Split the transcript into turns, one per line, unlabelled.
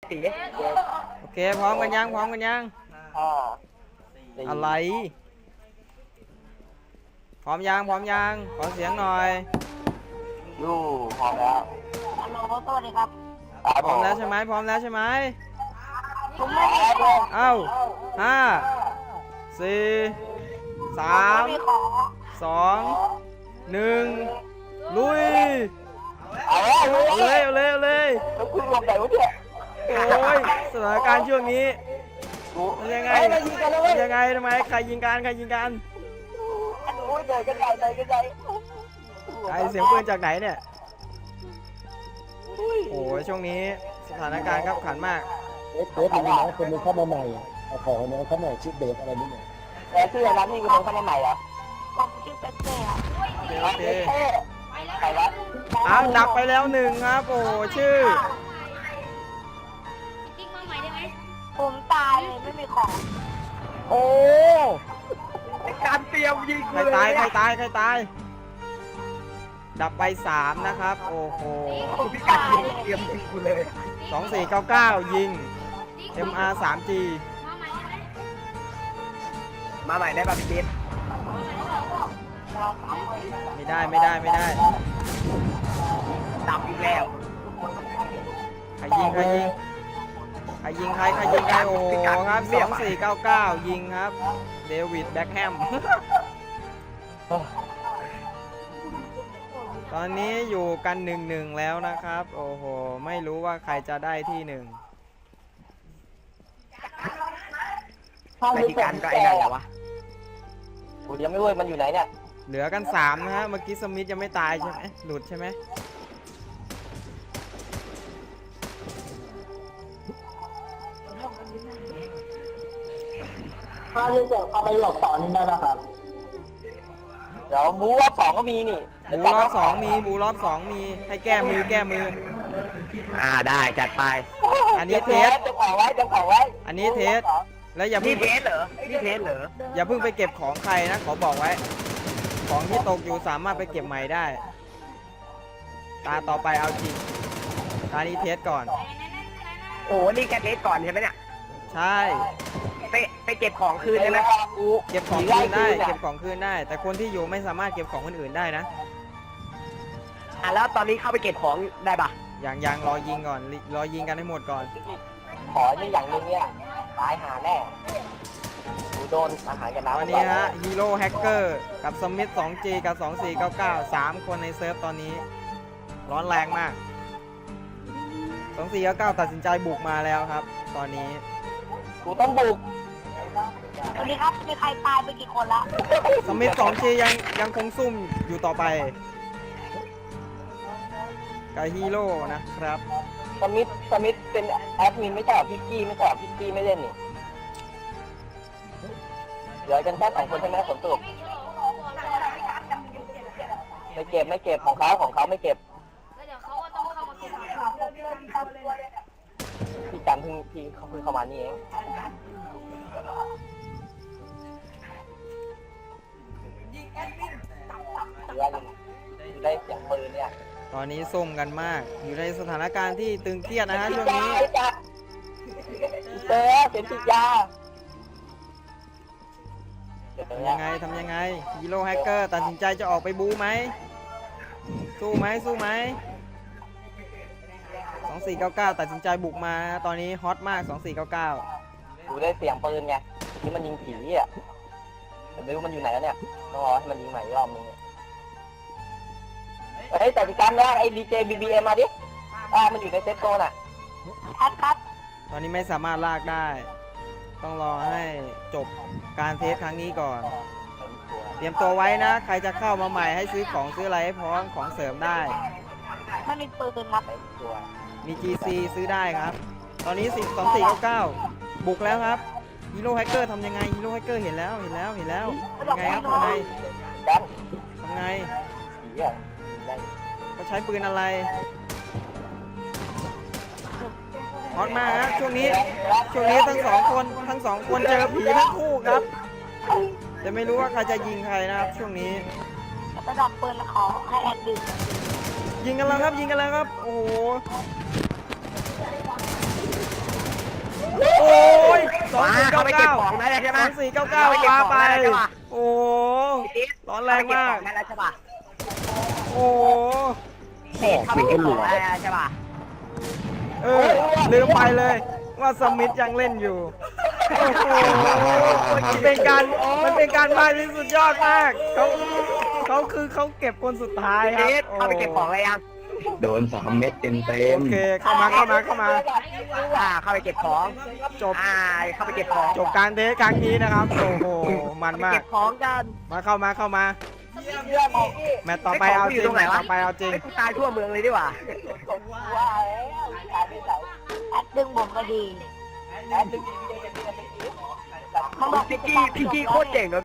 ตี
โอเคพร้อมกันยังพร้อมกันยัง อะไร พร้อมยังพร้อมยังขอเสียงหน่อย
ยูพร้อมแล้ว
ฮัลโหลสวัสดีครับ
พร้อมแล้วใช่ไหมพร้อมแล้วใช่ไหม
ผมไม่มีของ
เอ้าห้าสี่สาม
ไม่มีของ
สองหนึ่งลุย
เอาแล้ว
เอาเลยเอาเลยเอาเลย
แล้วคุณลงไหนวะเนี่ย
โอ้ยสถานการณ์ช่วงนี้
กู
มันยังไง
เฮ้ยมายิงกันแล้วเว้
มั
ย
นยังไงทำไมใครยิงกันใครยิงกัน
โอ้ยเดินกันใหญ่เดินกันใหญ่
ไอเสียงปืนจากไหนเนี่ยโอ้ยช่วงนี้สถานการณ์ขับขันมาก
เบสมันมีน้องคนนึงเข้ามาใหม่เอาของน้องเข้ามาชื่อเบสอะไรนี่เนี่ย
แต่ชื่อร้านนี่คือคนเข้ามาใหม่เหรอ
ผมชื่อเป๊กเต้ครับ
โอเค
ใครวะ
อ้าวดับไปแล้วหนึ่งครับโอ้ชื่อ
ติ๊กมาใหม่ได้ไหม
ผมตายเลยไม่มีของ
โอ้
การเตรียมยิง
ใครตายใครตายใครตาย ดับไป3นะครับโอ้โห
พี่การยิงเตรียมยิงกูเลย
2499ยิง MR 3G
มาใหม่ได้ไหม
มาใหม่ได้ป่ะพี่บิ๊ก
ไม่ได้ไม่ได้ไม่ได้
ดับอีกแล้ว
ใครยิงใครยิงใครยิงใครใครยิงใครโอ้โหครับ2499ยิงครับเดวิดแบ็คแฮม ตอนนี้อยู่กัน1-1แล้วนะครับโอ้โหไม่รู้ว่าใครจะได้ที่1
ไอ้ที่การก็ไอ้นั่นแหละวะกูยังไม่รู้มันอยู่ไหนเนี่ย
เหลือกัน3นะฮะเมื่อกี้สมิธยังไม่ตายใช่ไหมหลุดใช่ไหม
ถ้าที่จะเอาไปหลอกต่อนี่ได้ป่ะครับ
เดี๋ยวบูว่าสองก็มีนี่
บูรอบ2มีบูรอบ2มีให้แก้มือแก้มือ
ได้จัดไป
อันนี้เทส
จะของไว้จะของไว้
อันนี้เทสแล้วอย่าเพิ่
นี่
ง
เทสเหรอนี่เทสเหรอ
อย่าเพิ่งไปเก็บของใครนะขอบอกไว้ ของที่ตกอยู่สามารถไปเก็บใหม่ได้ ตาต่อไปเอาจริงตานี้เทสก่อน
โอ้นี่แกเทสก่อนใช่ไหมเนี่ย
ใช่
ไปเก็บของคืนใช่ไหม
เก็บของคืนได้เก็บของคืนได้ แต่คนที่อยู่ไม่สามารถเก็บของคนอื่นได้นะ
แล้วตอนนี้เข้าไปเก็บของได้ปะ
อย่างรอยิงก่อนรอยิงกันให้หมดก่อน
ขอนี่อย่างนึงเนี่ยตายหาแน่กูโดนอาหารกันน้ำ
วันนี้ฮะฮีโร่แฮกเกอร์กับสมิธ 2G กับ 2499 3 คนในเซิร์ฟตอนนี้ ร้อนแรงมาก 2499 ตัดสินใจบุกมาแล้วครับ ตอนนี้
กูต้องบุก
สวัสดีครับมีใครตายไปกี่คนละ
สมิธ 2G ยังคงซุ่มอยู่ต่อไปกับฮีโร่นะครับ
สมิธเป็นแอดมินไม่ใช่หรอพี่กี้ไม่ใช่หรอพี่กี้ไม่เล่นนี่เหลือกันแค่2 คนใช่ไหมผลสรุปไม่เก็บของเขาไม่เก็บ
แล้วเดี๋ยวเขาก็ต้องเข้ามาเก็บ
พี่กันพี่เขาเพิ่งเข้ามานี่เองได้เสียงปืนเนี่ย
ตอนนี้ซุ่มกันมาก อยู่ในสถานการณ์ที่ตึงเครียดนะฮะช่วงนี้
เสียงติดยา
ทำยังไงทำยังไงฮีโร่แฮกเกอร์ตัดสินใจจะออกไปบู๊ไหมสู้ไหมสู้ไหม2499 ตัดสินใจบุกมาตอนนี้ฮอตมาก 2499
ดูได้เสียงปืนไงนี่มันยิงผีอ่ะแต่ไม่รู้มันอยู่ไหนแล้วเนี่ยต้องรอให้มันยิงใหม่อีกรอบนึงเฮ้ยแต่พี่กันนะไอ้ดีเจBBMมาดิมันอยู่ในเซตโซนอ่ะ
ครับ
ตอนนี้ไม่สามารถลากได้ ต้องรอให้จบการเทสครั้งนี้ก่อน เตรียมตัวไว้นะ ใครจะเข้ามาใหม่ให้ซื้อของซื้ออะไรให้พร้อมของเสริมได้
ไม่มีปืนครับ
มี GC ซื้อได้ครับ ตอนนี้2499 บุกแล้วครับฮีโร่แฮกเกอร์ทำยังไงฮีโร่แฮกเกอร์เห็นแล้วยังไงครับทำไง
กัน
ทำไง
ผีอ่ะ
เขาใช้ปืนอะไรฮอตมากฮะช่วงนี้ทั้งสองคนเจอผีทั้งคู่ครับจะไม่รู้ว่าใครจะยิงใครนะครับช่วงนี้
ระดับปืนขอให้แอดดื่ม
ยิงกันแล้วครับโอ้โห
เข้าไปเก็บของได้แล้วใช่ไหม
2499ปาไปโอ้ร้อนแรงมาก
ได้แล้วใช่ป่ะ
โอ้
เข้าไปเก็บของได้แล้วใช่ป่ะ
ลืมไปเลยว่าสมิธยังเล่นอยู่โอ้โหมันเป็นการมาที่สุดยอดมากเขาเก็บคนสุดท้ายครับ
เข้าไปเก็บของอะไรยัง
โดน3 เม็ดเต็ม
โอเคเข้ามา
เข้าไปเก็บของ
จบ
เข้าไปเก็บของ
จบการเทสครั้งนี้นะครับโอ้โหมันมา
เก็
ก
บของกัน
เข้ามาแมตต์ต่อไปเอาจริงแมตต์ต่อไปเอาจริง
ตายทั่วเมืองเลยดีกว่า
ว่าแล้วตายไปไหน
แอดดึงผมก็ดี
แอดดึงดีๆจะมีอะไร
มันบอก
พี่กี้โคตรเจ๋งเลย